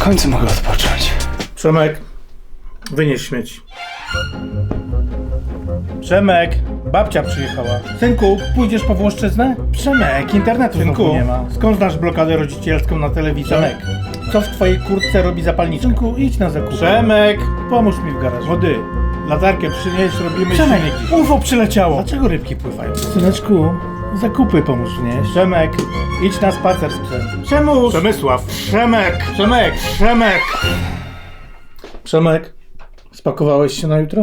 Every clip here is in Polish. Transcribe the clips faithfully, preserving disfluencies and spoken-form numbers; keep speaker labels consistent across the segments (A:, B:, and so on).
A: końcu mogę odpocząć.
B: Przemek, wynieś śmieci. Przemek, babcia przyjechała. Synku, pójdziesz po Włoszczyznę? Przemek, internetu Synku, znowu nie ma. Skąd znasz blokadę rodzicielską na telewizji? Przemek, co w twojej kurtce robi zapalniczka? Synku, idź na zakupy. Przemek, pomóż mi w garażu. Wody, latarkę przynieś, robimy
A: Przemek,
B: silniki. U F O przyleciało. Dlaczego rybki pływają? Syneczku, zakupy pomóż wnieść. Przemek, idź na spacer z psem. Przemuś! Przemysław, Przemek, Przemek, Przemek! Przemek, spakowałeś się na jutro?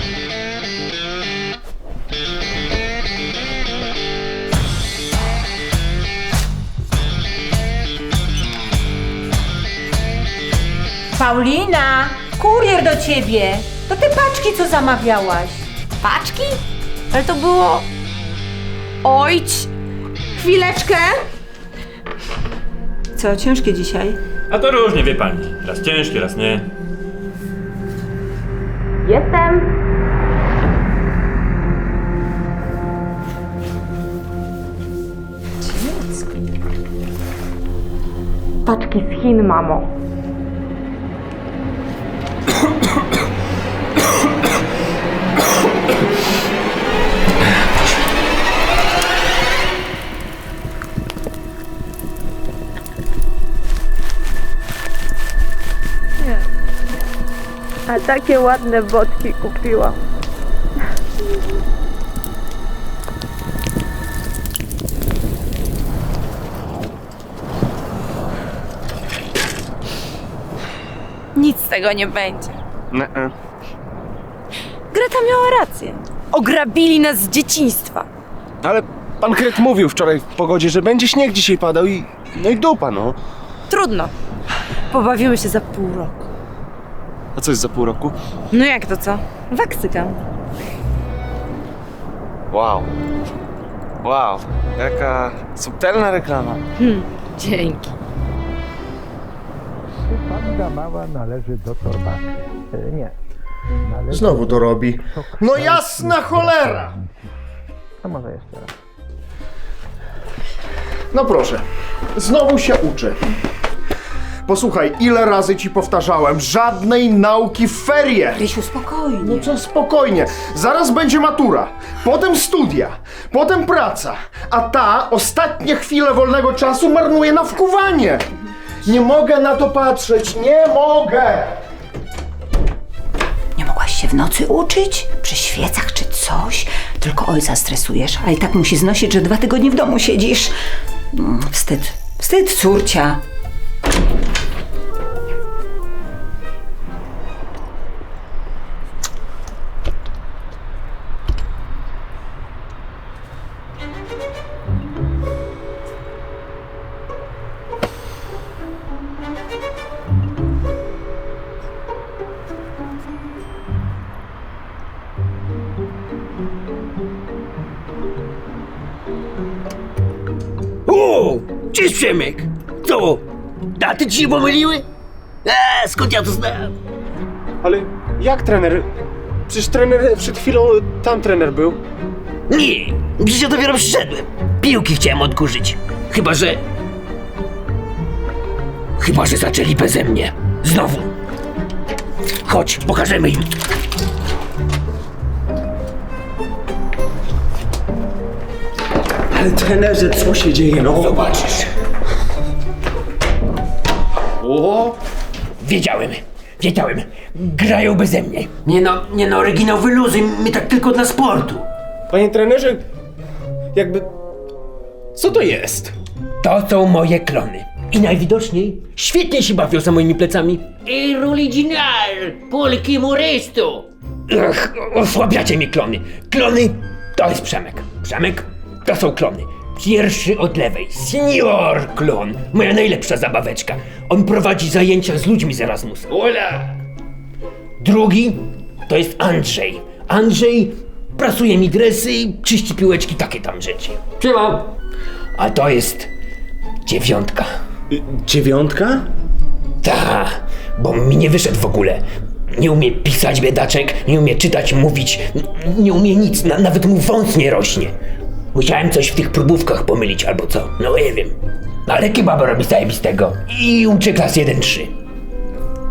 C: Paulina, kurier do ciebie. To te paczki, co zamawiałaś.
D: Paczki? Ale to było... Ojć! Chwileczkę!
C: Co, ciężkie dzisiaj?
E: A to różnie, wie pani. Raz ciężkie, raz nie.
D: Jestem! Paczki z Chin, mamo.
F: A takie ładne botki kupiłam.
D: Nic z tego nie będzie.
A: Ne-e.
D: Greta miała rację. Ograbili nas z dzieciństwa.
A: Ale pan Kret mówił wczoraj w pogodzie, że będzie śnieg dzisiaj padał i... No i dupa, no.
D: Trudno. Pobawimy się za pół roku.
A: A co jest za pół roku?
D: No jak to co? Waksykam.
A: Wow. Wow. Jaka subtelna reklama.
D: Hmm, dzięki.
G: Panda mała należy do torbaczy. E, nie. Należy
H: Znowu to robi. No jasna cholera!
G: A może jeszcze raz.
H: No proszę, znowu się uczę. Posłuchaj, ile razy ci powtarzałem, żadnej nauki w ferie!
C: Rysiu, spokojnie.
H: No co spokojnie, zaraz będzie matura, potem studia, potem praca, a ta ostatnie chwile wolnego czasu marnuje na wkuwanie. Nie mogę na to patrzeć, nie mogę!
C: Nie mogłaś się w nocy uczyć? Przy świecach czy coś? Tylko ojca stresujesz, a i tak musi znosić, że dwa tygodnie w domu siedzisz. Mm, Wstyd. Wstyd, córcia.
I: O, cześć Przemek! Co? Daty ci się pomyliły? Eee, skąd ja to znam?
A: Ale jak trener? Przecież trener przed chwilą tam trener był.
I: Nie, przecież ja dopiero przyszedłem. Piłki chciałem odkurzyć. Chyba, że... Chyba, że zaczęli beze mnie. Znowu. Chodź, pokażemy im.
A: Ale trenerze, co się dzieje, no?
I: Zobaczysz.
A: O!
I: Wiedziałem, wiedziałem. Grają beze mnie. Nie no, nie no, oryginał wyluzuj, my tak tylko dla sportu.
A: Panie trenerze, jakby... Co to jest?
I: To są moje klony. I najwidoczniej świetnie się bawią za moimi plecami. El original, polki moresto. Ach, osłabiacie mi klony. Klony to jest Przemek. Przemek to są klony. Pierwszy od lewej, senior klon. Moja najlepsza zabaweczka. On prowadzi zajęcia z ludźmi z Erasmusa. Ola! Drugi to jest Andrzej. Andrzej prasuje mi dresy, czyści piłeczki, takie tam rzeczy. Siema. A to jest dziewiątka.
A: Dziewiątka?
I: Ta, bo mi nie wyszedł w ogóle. Nie umie pisać biedaczek, nie umie czytać, mówić, n- nie umie nic, na, nawet mu wąs nie rośnie. Musiałem coś w tych próbówkach pomylić albo co, no nie wiem. Ale kebaba robi zajebistego i uczy klas jeden trzy.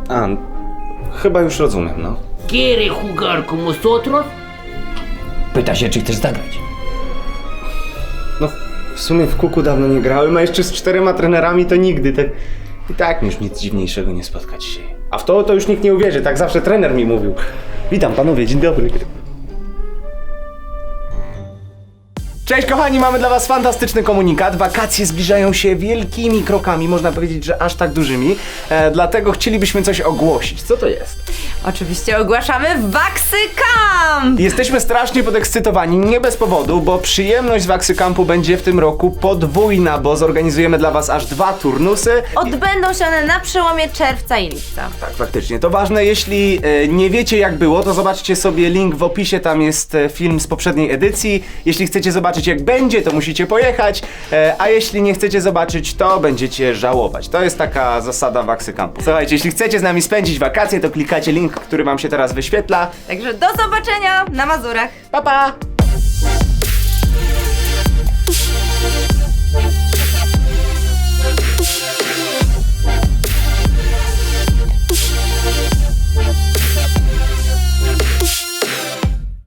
A: A, chyba już rozumiem, no.
I: ¿Quiere jugar con nosotros? Pyta się, czy chcesz zagrać.
A: No, w sumie w kuku dawno nie grałem, a jeszcze z czterema trenerami to nigdy, tak... I tak już nic dziwniejszego nie spotka dzisiaj. A w to to już nikt nie uwierzy, tak zawsze trener mi mówił. Witam panowie, dzień dobry. Cześć kochani, mamy dla was fantastyczny komunikat. Wakacje zbliżają się wielkimi krokami, można powiedzieć, że aż tak dużymi. E, dlatego chcielibyśmy coś ogłosić. Co to jest?
D: Oczywiście ogłaszamy Waksy Camp!
A: Jesteśmy strasznie podekscytowani, nie bez powodu, bo przyjemność z Waksy Campu będzie w tym roku podwójna, bo zorganizujemy dla was aż dwa turnusy.
D: Odbędą się one na przełomie czerwca i lipca.
A: Tak, faktycznie. To ważne, jeśli e, nie wiecie jak było, to zobaczcie sobie link w opisie, tam jest e, film z poprzedniej edycji. Jeśli chcecie zobaczyć jak będzie, to musicie pojechać, e, a jeśli nie chcecie zobaczyć, to będziecie żałować. To jest taka zasada Waksy Campu. Słuchajcie, jeśli chcecie z nami spędzić wakacje, to klikacie link, który wam się teraz wyświetla.
D: Także do zobaczenia na Mazurach.
A: Pa, pa!